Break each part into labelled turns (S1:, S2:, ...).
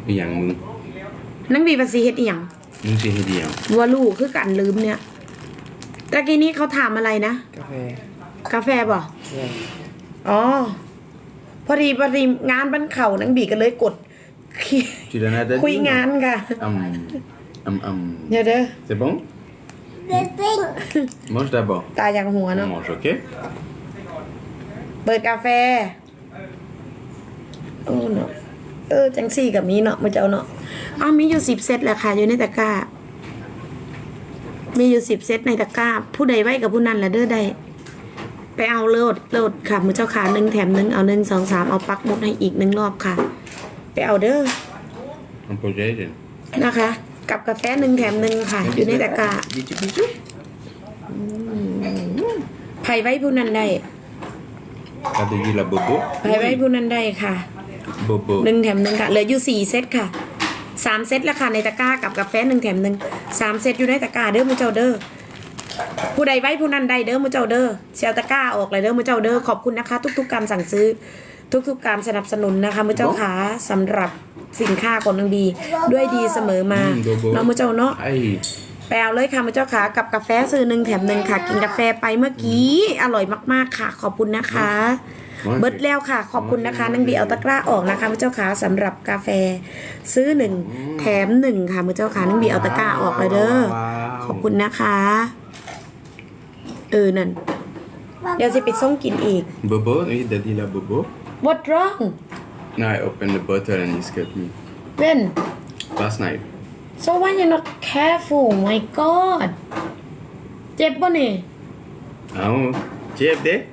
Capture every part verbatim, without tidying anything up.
S1: อีหยังมึง
S2: นังบีภาษีเฮ็ดอีหยัง
S1: มึงสิเฮ็ดอีหยัง
S2: วัวลูกคือกันลืมเนี่ยตะกี้นี้เขาถามอะไรนะ
S3: กาแฟ
S2: กาแฟบ่
S3: ใช่
S2: อ๋อพอดีพอดีงานบ้านเขานังบีก็เลยกด
S1: Tu donnes à Daddy?
S2: คุยงานค่ะ
S1: Hum, hum, hum.
S2: เดี๋ยวเด้อ
S1: C'est bon? Mange d'abord.
S2: ตาอย่างหัว
S1: On
S2: เนาะ
S1: mange, ok?
S2: เปิดกาแฟโอ้เนาะเออจังซี่กับมีเนาะมาเจ้าเนาะอ้าวมีอยู่สิบเซตแหละค่ะอยู่ในตะกร้า มีอยู่สิบเซตในตะกร้า ผู้ใดไว้กับผู้นั้นละเด้อได้ไปเอาโลดโลดค่ะมือเจ้าขาหนึ่งแถมหนึ่งเอาหนึ่งสองสามเอาปักหมดให้อีกหนึ่งรอบค่ะ ไปเอาเด้อ
S1: Un peu d'aide.
S2: นะคะ กับกาแฟหนึ่งแถมหนึ่งค่ะ อยู่ในตะกร้า
S1: Bisous, bisous.
S2: ไผ่ไว้ผู้นั้นได้
S1: T'as dit la bobo?
S2: ไผ่ไว้ผู้นั้นได้ค่ะ
S1: Bobo.
S2: หนึ่งแถมหนึ่งค่ะเหลืออยู่สี่เซตค่ะสามเซตแล้วค่ะในตะกร้ากับกาแฟหนึ่งแถมหนึ่งสามเซตอยู่ในตะกร้าเด้อมือเจ้าเด้อผู้ใดไว้ผู้นั้นได้เด้อมือเจ้าเด้อเชียวตะกร้าออกเลยเด้อมือเจ้าเด้อขอบคุณนะคะ ทุกๆการสั่งซื้อ ทุกๆการสนับสนุนนะคะมือเจ้าขาสำหรับสินค้าของนางบีด้วยดีเสมอมา
S1: อืม Bobo.
S2: เนาะมือเจ้าเนาะ
S1: Aïe.
S2: ไปเอาเลยค่ะมือเจ้าขากับกาแฟซื้อหนึ่งแถมหนึ่งค่ะ กินกาแฟไปเมื่อกี้อร่อยมากๆค่ะ ขอบคุณนะคะ เบิดแล้วค่ะ ขอบคุณนะคะนางบีเอาตะกร้าออกนะคะมือเจ้าขาสำหรับกาแฟซื้อหนึ่งแถมหนึ่งค่ะมือเจ้าขานางบีเอาตะกร้าออกเลยเด้อขอบคุณนะคะเออนั่นเดี๋ยวจะไปส่งกินอีก
S1: Bobo? Oui, Daddy la bobo.
S2: What wrong
S1: No, I opened the bottle and he scared me.
S2: when
S1: Last night.
S2: so why you not careful my god เจ็บป่ะนี่
S1: Oh, Jeff there?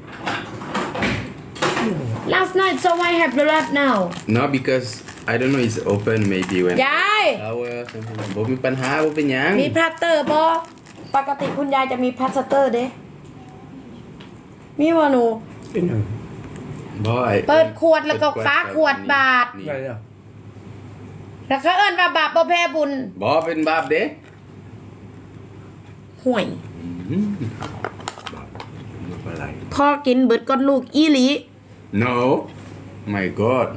S2: last night so why have the blood now
S1: No, because I don't know, it's open maybe when
S2: ยาย
S1: flower or something. บ่มีปัญหาบ่เป็นหยัง
S2: มีพลาสเตอร์ปะปกติคุณยายจะมีพลาสเตอร์เด้มีวะหนู
S3: เป็นหนึ่ง
S1: บ่ไอ้
S2: เปิดขวดแล้วก็ฟ้าขวดบาท
S1: นี่
S3: อะไรอ่ะ
S2: แล้วเขาเอิ้นว่าบาปบ่แพ้บุญ
S1: บ่เป็นบาปเด้
S2: ห่วย
S1: อืมบาปบ่เป็นไร
S2: พ่อกินเบิดก้อนลูกอีหลี
S1: No my god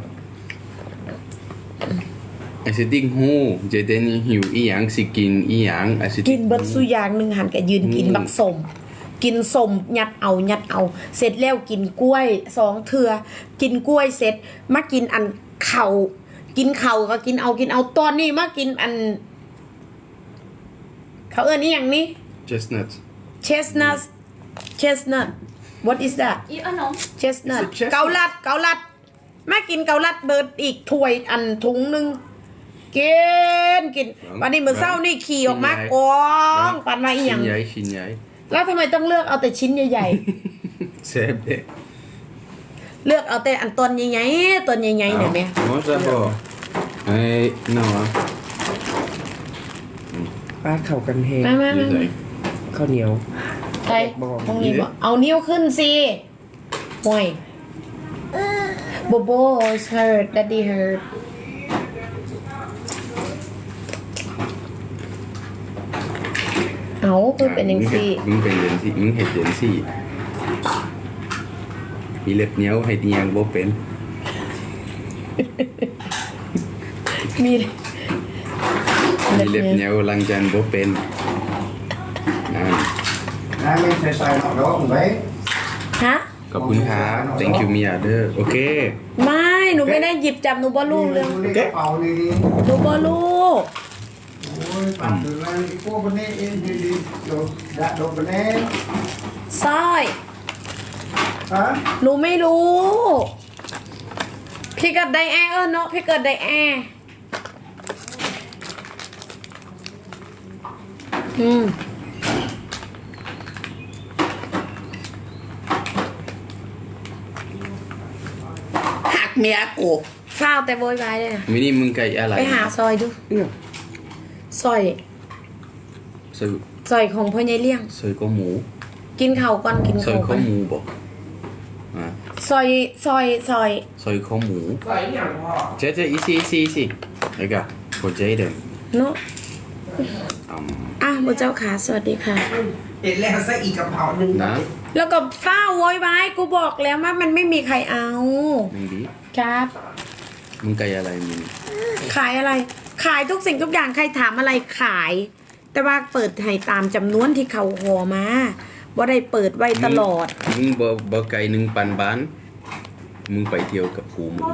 S1: ไอ้สิติ้งหูเจเดนี่หิวอีหยังสิกินอีหยังไอ้สิ
S2: กินเบิดสุอย่างหนึ่งหันก็ยืนกินบักสมกินสมยัดเอายัดเอา เสร็จแล้วกินกล้วยสองเถื่อกินกล้วยเสร็จมากินอันเข่ากินเข่าก็กินเอากินเอาตอนนี้มากินอัน เขาเอิ้นอีหยังนี่
S1: chestnuts
S2: chestnut chestnut what is that
S4: อีขนม
S2: chestnut
S1: Is it chestnut?
S2: เกาลัดเกาลัดมากินเกาลัดเบิดอีกถ้วยอันถุงหนึงกินกินวันนี้มื้อเช้านี่ขี่ออกมากองปันมาอีห
S1: ชิ้
S2: ยั
S1: น
S2: ง
S1: ใหญ่ชิ้นใหญ่
S2: แล้วทำไมต้องเลือกเอาแต่ชิ้นใหญ่
S1: แซ่บเด้
S2: ๆ เลือกเอาแต่อันตอนใหญ่ๆตอนใหญ่ๆเนี่ยแม่
S1: Mange d'abord ไอ้ non อ่ะ
S3: ปาดเข่ากันเฮง
S2: มามา
S1: นี่
S2: มา
S1: ใส่
S3: ข้าวเหนียว
S2: ใครตรงนี้บ่เอานิ้วขึ้นสิห่วยโบโบ is hurt daddy hurt เอาคือเป็นยังซี่
S1: มึงเป็นจังซี่มึงเฮ็ดจังซี่มีเล็บเหนียวให้เนียงบ่เป็น
S2: มี
S1: มีเล็บเหนียวล้างจานบ่เป็นนั่น
S5: Hai bên xài xài nó đó cũng vậy.
S2: ฮะ
S1: ขอบคุณครับ thank you มีอาเดอร์โอเค
S2: ไม่หนูไม่ได้หยิบจับหนูบอลูกเลย
S5: Đi cái bầu này đi.
S2: หนูบอลูก
S5: Ôi, bạn từ nay đi cô bên đây đi đi đi. Đồ, dạ đồ bên đây.
S2: สร้อย
S5: Hả?
S2: หนูไม่รู้ พี่เกิดไดแอร์เออเนาะพี่เกิดไดแอร์อืม
S1: หักเมียกู
S2: ฟ้าวแต่โวยวายเลยนะ
S1: มินี่มึงไก่อะไร
S2: ไปหาซอยดู
S3: เนี่ย
S2: ซอย
S1: ซอย
S2: ซอยของพ่อใหญ่เลี้ยง
S1: ซอยข้าวหมู
S2: กินข้าวก่อนกิน
S1: ซอย
S2: ข้าวก่อ
S1: ข้าวน หมูบ่อ่ะ
S2: ซอยซอยซอย
S1: ซอยข้าวหมู
S3: ใส่อย่างพ่อ
S1: เจ๊เจ๊อีซี่อีซี่อีซี่ไอ้กะโคเจเดน
S2: เนาะ
S1: อืม
S2: อ่ะบุเจ้าขาสวัสดีค่ะ
S3: เห็นแล้วซะอีกกระเพราหนึ่ง
S1: นะ
S2: แล้วก็ฟ้าวโวยวายกูบอกแล้วว่ามันไม่มีใครเอา
S1: มึงดี
S2: ครับ
S1: มึงไก่อะไรมึง
S2: ขายอะไร ขายทุกสิ่งทุกอย่างใครถามอะไรขาย แต่ว่าเปิดให้ตามจำนวนที่เขาหอมาบ่ได้เปิดไว้ตลอด
S1: มึงบ่บ่ไกลหนึ่งปันบ้านมึงไปเที่ยวกับกูมึง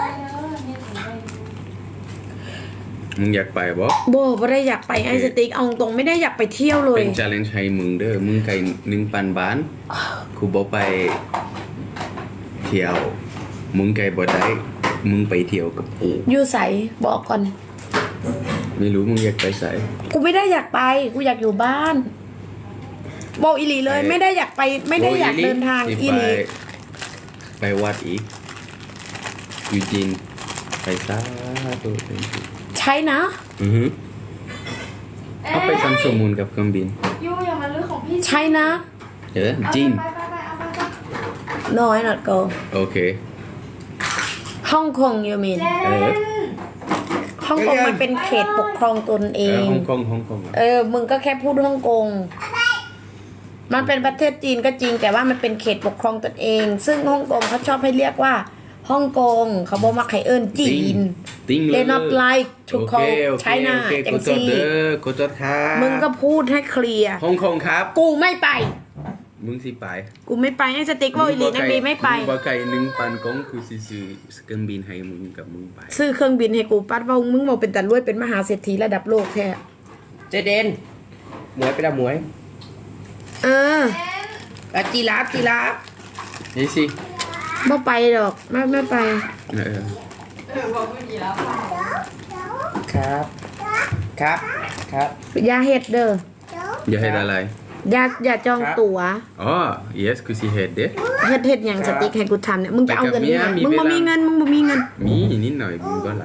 S1: มึงอยากไปบ่
S2: โบบ่ได้อยากไปไอสติ๊กเอาตรงไม่ได้อยากไปเที่ยวเลย
S1: เป็น challenge ให้มึงเด้อมึงไกลหนึ่งปันบ้านกูบ่ไปเที่ยวมึงไกลบ่ได้มึงไปเที่ยวกับกู
S2: อยู่ใสบอกก่อน
S1: ไม่รู้มึงอยากไปไส
S2: กูไม่ได้อยากไป กูอยากอยู่บ้านบอกอีหลีเลย ไม่ได้อยากไป ไม่ได้อยากเดินทาง
S1: สิ
S2: อี
S1: ไป
S2: หลี
S1: ไปวัดอีกยูจีนไปซาตัวเอง
S2: ใช่นะ
S1: อือฮึเอาไปทำชั่วโมงกับเครื่องบิน
S4: ยูอย่ามาลื้อของพี่
S2: ใช่นะ
S1: เออจีน
S4: ไปไปไปเอาไปไป
S2: น้อย not go
S1: โอเค
S2: ฮ่องกง you mean
S1: เออ
S2: ฮ่องกงมันเป็นเขตปกครองตนเอ
S1: เออง ฮ่องกงฮ่องกง
S2: เออ มึงก็แค่พูดฮ่องกง มันเป็นประเทศจีนก็จริง แต่ว่ามันเป็นเขตปกครองตนเอง ซึ่งฮ่องกงเขาชอบให้เรียกว่าฮ่องกง เขาบอกมาไคเอิญจีน
S1: ติ้งเลย
S2: They not like to
S1: โอเค
S2: call
S1: โอเค
S2: China
S1: โอเค
S2: จั
S1: กู
S2: ง
S1: จด
S2: ซี่
S1: เด้อกูจดครับ
S2: มึงก็พูดให้เคลียร์
S1: ฮ่องกงครับ
S2: กูไม่ไป
S1: มึงสิไป
S2: กูไม่ไปให้สติ๊กว่าอีหลีนักบีไม่ไป
S1: มึงบ่ไกลหนึ่งปันกงคือสิซื้อเครื่องบินให้มึงกับมึงไป
S2: ซื้อเครื่องบินให้กูปัดว่ามึงบอกเป็นแต่รวยเป็นมหาเศรษฐีระดับโลกแท้
S3: เจเดนหมวยไปละหมวย
S2: เออ
S3: อ่ะจีราฟจีราฟ
S1: นี่สิ
S2: ไม่ไปหรอกไม่ไม่ไป
S1: เออ
S4: เออบอกเมื่อกี้แล้ว
S3: ครับ ครับ ครับ
S2: อย่าเฮ็ดเด้อ
S1: อย่าให้อะไร
S2: อย่าอย่าจองตั๋ว
S1: อ๋อ yes คือสิเฮ็ดเด้
S2: เฮ็ดเฮ็ดอย่างสติ๊กให้กูทำเนี่ยมึงจะเอาเงินที่ไหน
S1: ไปกับเมียมี
S2: มึงบ่
S1: เวลามี
S2: มีเงินมึงบ่มีเงิน
S1: มีนิดหน่อยมึงก็ไหล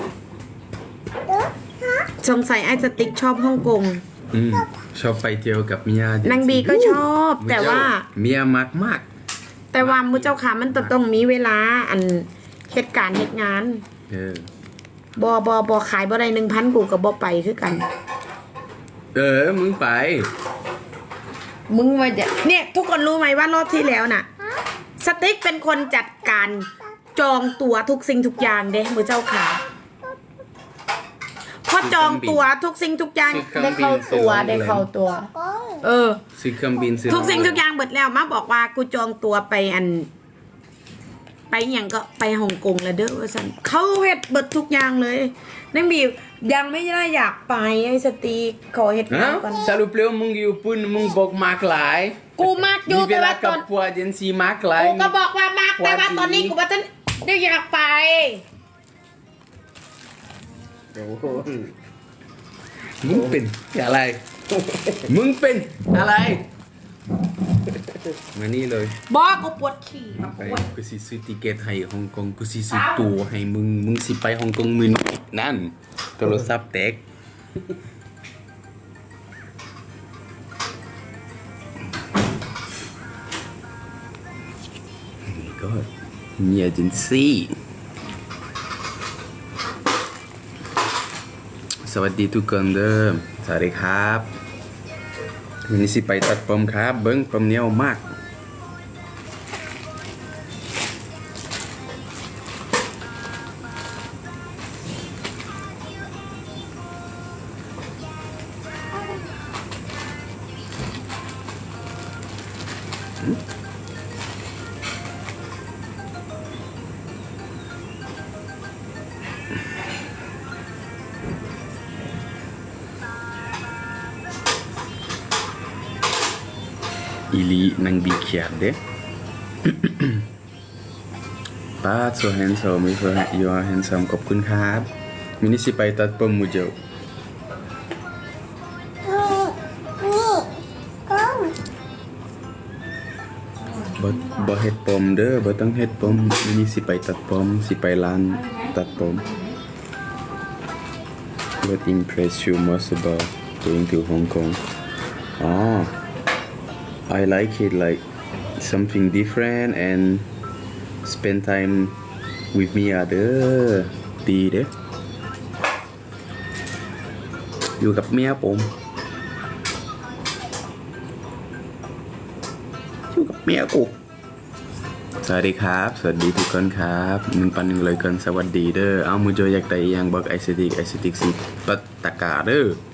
S2: สงสัยไอ้สติ๊กชอบฮ่องกง
S1: อืมชอบไปเที่ยวกับเมีย
S2: นางบีก็ชอบ แต่ว่า
S1: เมียมากมาก
S2: แต่ว่ามุเจ้าค่ะมันต้องมีเวลาอันเหตุการณ์เหตุงาน
S1: เออ
S2: บอบอบอขายบ่ได้หนึ่งพันกูกับบอไปคือกัน
S1: เออ มึงไป
S2: มึงว่าจะเนี่ยทุกคนรู้ไหมว่ารอบที่แล้วน่ะ สติ๊กเป็นคนจัดการจองตั๋วทุกสิ่งทุกอย่างเด้มือเจ้าขาพอจองตั๋วทุกสิ่งทุกอย่าง
S1: ซื้อเครื่
S2: ได้
S1: องบิน
S2: เข้าตั๋ว
S1: ซื้อโรงแรม
S2: ได้เข้าตั๋วเออ
S1: ซื้อเครื่องบินซื้อ
S2: ทุกสิ่งทุกอย่างเบิดแล้วมาบอกว่ากูจองตั๋วไปอัน ไปอย่างก็ไปฮ่องกงแล้วเด้อว่าสันเขาเฮ็ดเบิดทุกอย่างเลยนั่งบียังไม่ได้อยากไปไอ้สตีขอเฮ็ดงา
S1: ฮะ
S2: นก่อน
S1: สรุปแล้วมึงอยู่ปุ่นมึงบอกมากหลาย
S2: กูมากอยู่
S1: มีเว
S2: แต่
S1: ลา
S2: ว่าต
S1: กั
S2: อบ น
S1: พัวเจนซีมากหลาย
S2: กูก็บอกว่ามากแต่ว่า
S1: พอดี
S2: ตอนนี้กูว่าจะได้อยากไป
S3: โอ้โห
S1: มึงเป็นอะไร มึงเป็นอะไร มานี่เลย
S2: บอกกูปวดขี่
S1: ไปกูสิซื้อติเกตให้ฮ่องกงกูสิซื้อตั๋วให้มึง มึงสิไปฮ่องกงมื้อนี้นั่นโทรศัพท์แตกนี่ก็มีเอเจนซี่สวัสดีทุกคนเด้อสวัสดีครับวันนี้สิไปตัดผมครับ เบิ้งผมเหนียวมาก อีลีนังบีเขียดเด้ ป้า so handsome you are you are handsome ขอบคุณครับมินิสิไปตัดผมมูเจลบ่บ่เฮ็ดผมเด้อบ่ต้องเฮ็ดผมมินิสิไปตัดผมสิไปร้านตัดผม What impressed you most about going to Hong Kong? Oh, I like it like something different and spend time with me อ่ะเด้อดีเด้ออยู่กับเมียผมอยู่กับเมียกูสวัสดีครับสวัสดีทุกคนครับหนึ่งพันหนึ่งร้อยคนสวัสดีเด้อเอามือโจอยากได้อีหยังบอกไอซิติกไอซิติกสิปัตตะกาเด้อ